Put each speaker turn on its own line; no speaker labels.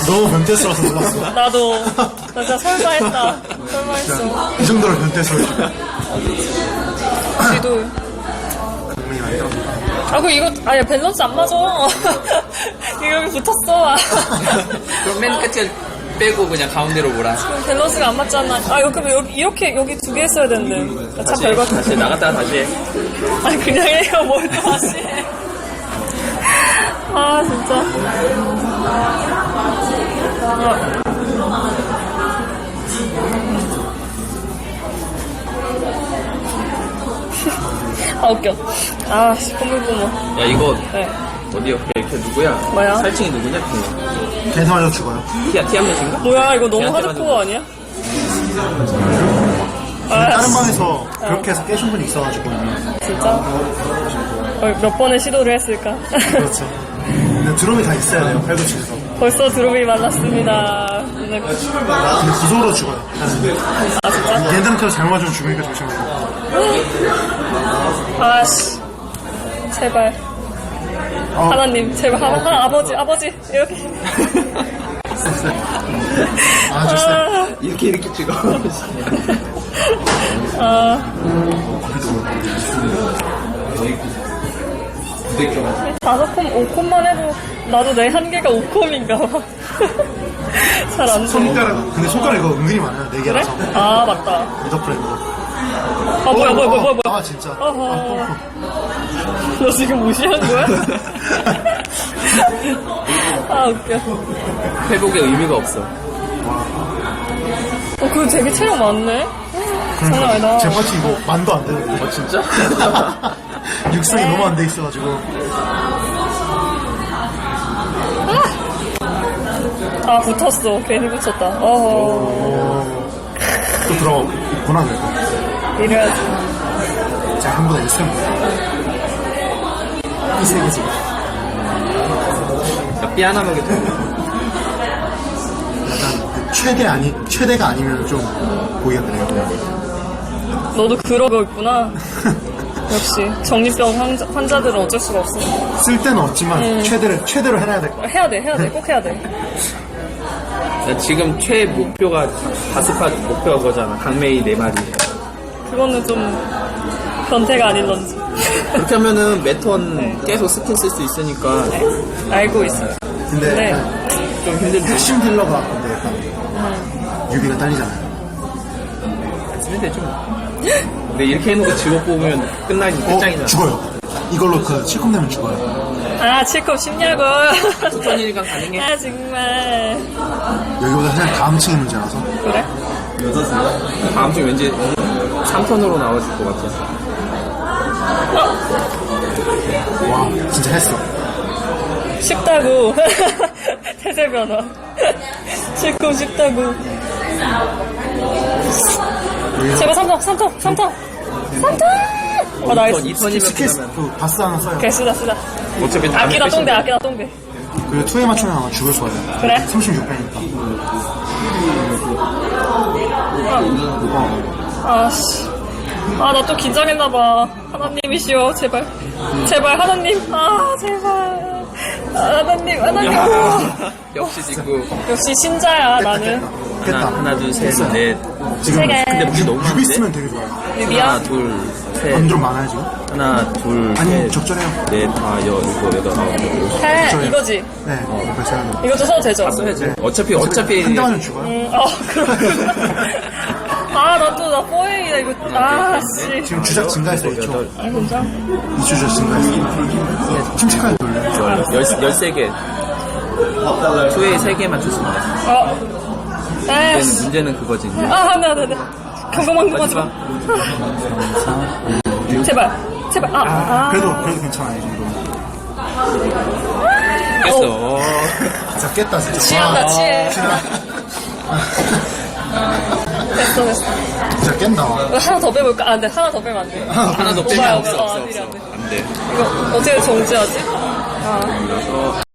너무 변태스러워서 놀랐어.
나도 나 진짜 설마했다. 설마했어.
이 정도로 변태스러워.
지도.
강민이 많이 들어.
아, 그 이거 아니 밸런스 안 맞아. 이거 여기 붙었어.
그럼 맨 끝에 빼고 그냥 가운데로 몰아.
밸런스가 안 맞잖아. 아, 여기 이렇게 여기 두 개 있어야 되는데. 참 별거.
다시 나갔다가 다시 해.
아니 그냥 해요. 뭘 또 다시 해. 아 진짜. 아 웃겨. 아 뽀물뽀물.
야 이거
네.
어디 옆에 이렇게 누구야?
뭐야?
살칭이 누구냐?
계속 맞아 죽어요.
티한 명인가?
뭐야 이거 너무
걔한테
하드코어 아니야?
다른 방에서 그렇게 해서 깨신 분이 있어가지고.
진짜? 몇 번의 시도를 했을까?
그렇죠. 근데 드럼이 다 있어야 돼요, 팔꿈치에서.
벌써 드롭이 만났습니다.
근데 구속으로 죽어요.
아 진짜?
얘들한테 잘못 맞으면 죽으니까 조심하세요.
아씨 제발 하나님 제발 하나 아버지 이렇게
아, 좋습니다.
이렇게 찍어.
다섯 콤 5콤만 해도 나도 내 한계가 5콤인가 봐. 잘 안 돼.
손가락, 근데 손가락 이거 은근히 많아요, 네
그래?
개라서.
아 맞다.
미더프렌드로.
아 뭐야.
아, 진짜.
어허. 너 지금 무시한 거야? 아 웃겨.
회복의 의미가 없어.
그거 되게 체력 많네. 장난 아니다.
제 파츠 이거 만도 안 되는데.
어 진짜?
육성이 너무 안 돼 있어가지고.
아 붙었어. 괜히 붙였다. 어허.
또 들어가구나, 그래도.
이래야지.
자, 한보다 있으면 이 세계 지금.
삐 하나만 게
약간 최대가 아니면 좀 보기가 그래요.
너도 그러고 있구나. 역시 정신병 환자들은 어쩔 수가 없어.
쓸 때는 없지만 최대로 해놔야 될 거야.
해야 돼. 꼭 해야 돼.
지금 최 목표가 다스팟 목표가 그거잖아. 강메이 4마리.
그거는 좀 변태가 아닐런지.
그렇게 하면은 매턴 계속 스킨 쓸 수 있으니까
알고 있어요.
근데
네.
약간
좀 힘들지.
핵심 딜러가 근데 약간 유비가 딸리잖아요.
쓰면 되죠. 근데 이렇게 해놓고 직업 뽑으면 끝장이잖아.
죽어요. 이걸로 그 실컷 내면 죽어요.
아 7컵 쉽냐고.
추천이니까 가능해.
아 정말.
여기보다 그냥 다음 층의 문제라서.
그래?
다음 주 왠지 3턴으로 나와줄 것 같아.
와, 진짜 했어.
쉽다고. 태세 변화. 7컵 쉽다고. 제발 3턴. 아 나이스.
2턴이면
스케스, 그 바스 하나 써요.
오케이 쓰자.
어차피
아끼다 똥배.
그리고 2에 맞추면 아마 죽을 거예요.
그래?
36배니까.
아씨. 아, 나 또 긴장했나봐. 하나님이시여, 제발. 제발, 하나님. 아, 제발. 하나님.
역시 직구.
역시 신자야, 나는.
하나, 둘, 셋, 넷.
지금
세 개.
근데 무기 너무
유비
많은데?
쓰면 되게 좋아요.
유비야?
하나, 둘, 셋.
안 좀 많아요, 지금?
하나, 둘,
아니,
셋.
적절해요.
넷, 다, 일곱, 여덟, 아홉, 열.
해, 이거지.
네, 벌써 하는 거.
이것도 써도 되죠?
써야지. 어차피.
한 대만은 죽어요.
그렇구나. 아, 나 4A다, 이거. 아, 씨.
지금 주작 증가했어요, 2초.
아, 진짜?
2초 주작 증가했어요. 침착하게 돌려요.
13개. 초에 3개만 줬습니다.
에이씨.
문제는 그거지.
아, 네. 경고하지 마. 제발.
그래도 괜찮아요, 이 정도.
깼어.
진짜 깼다, 진짜.
취한다, 취해. 됐어.
진짜 깬다.
이거 하나 더 빼볼까? 아, 안 돼. 하나 더 빼면 안 돼.
하나 더
오바야,
빼면
없어.
없어.
안 돼.
안 돼.
이거 어떻게 정지하지? 아.